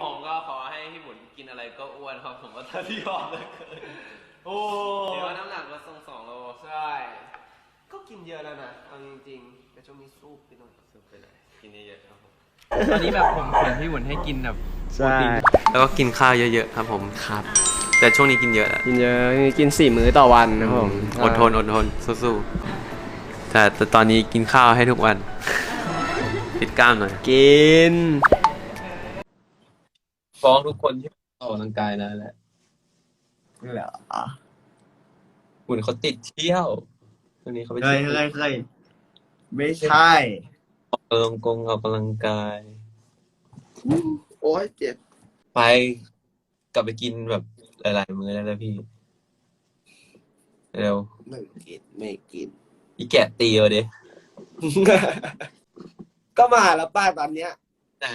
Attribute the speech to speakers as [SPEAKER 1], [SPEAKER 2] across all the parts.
[SPEAKER 1] ผมก็ขอให้พี่หมุนกินอะไรก็อ้วนครับผมว่าถ้าที่ยอมเลยเกินโอ้เดี๋ยวน้ำหนักลด2 โล
[SPEAKER 2] ใช่ก็กินเยอะแล้วนะเอาจริงๆแต่ช่วงนี้สู้ไปหน่อย
[SPEAKER 1] ซื้อไปไหนกินเยอะๆครับผมตอนนี้แบบผมเขียนพี่หมุนให้กินแบบโปรตีนแล้วก็กินข้าวเยอะๆครับผมครับแต่ช่วงนี้กินเยอะแล้ว
[SPEAKER 2] กินเยอะกิน4 มื้อต่อวันนะครับผม
[SPEAKER 1] อดทนสู้ๆแต่ตอนนี้กินข้าวให้ทุกวันปิดกล้ามหน่อย
[SPEAKER 2] กิน
[SPEAKER 1] ฟ้องทุกคนที่ออกกำลังกายนะแหละ
[SPEAKER 2] เหรอ
[SPEAKER 1] หมุนเขาติดเที่ยวตอนนี้เขาไป
[SPEAKER 3] เคยไม่ใช่
[SPEAKER 1] ออกกำลังกาย
[SPEAKER 3] โอ้ยเจ็บ
[SPEAKER 1] ไปกลับไปกินแบบหลายๆมื้อแล้วนะพี่เร็ว
[SPEAKER 3] ไม่กิน
[SPEAKER 1] อีแกะตีเอาดิ
[SPEAKER 3] ก็มาแล้วป้าตอนเนี้ย
[SPEAKER 1] ไหน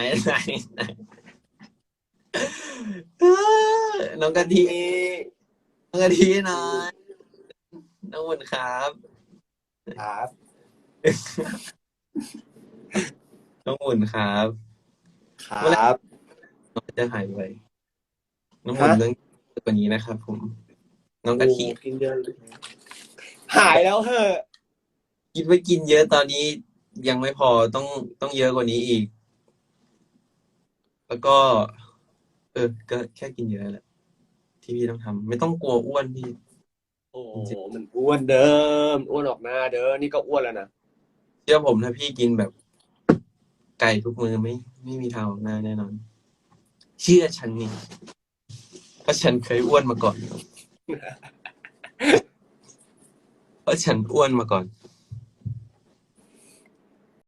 [SPEAKER 1] น้องกะทิน้องกะทิหน่อยน้องหมุนครับ
[SPEAKER 3] ครับ
[SPEAKER 1] น้องหมุนครับ
[SPEAKER 3] ครับ
[SPEAKER 1] น้องจะหายไปน้องหมุนเรื่องกว่านี้นะครับผม น้องกะทิ
[SPEAKER 3] กินเยอะหายแล้วเหอะ
[SPEAKER 1] คิดว่ากินเยอะตอนนี้ยังไม่พอต้องเยอะกว่านี้อีก แล้วก็ ก็แค่กินเยอะแหละที่พี่ต้องทำไม่ต้องกลัวอ้วนพี่
[SPEAKER 3] โอ้โหมันอ้วนเดิมอ้วนออกหน้าเด้อนี่ก็อ้วนแล้วนะ
[SPEAKER 1] เชื่อผมถ้าพี่กินแบบไก่ทุกมื้อไม่มีทางออกหน้าแน่นอน เชื่อฉันนี่เพราะฉันเคยอ้วนมาก่อน เพราะฉันอ้วนมาก่อน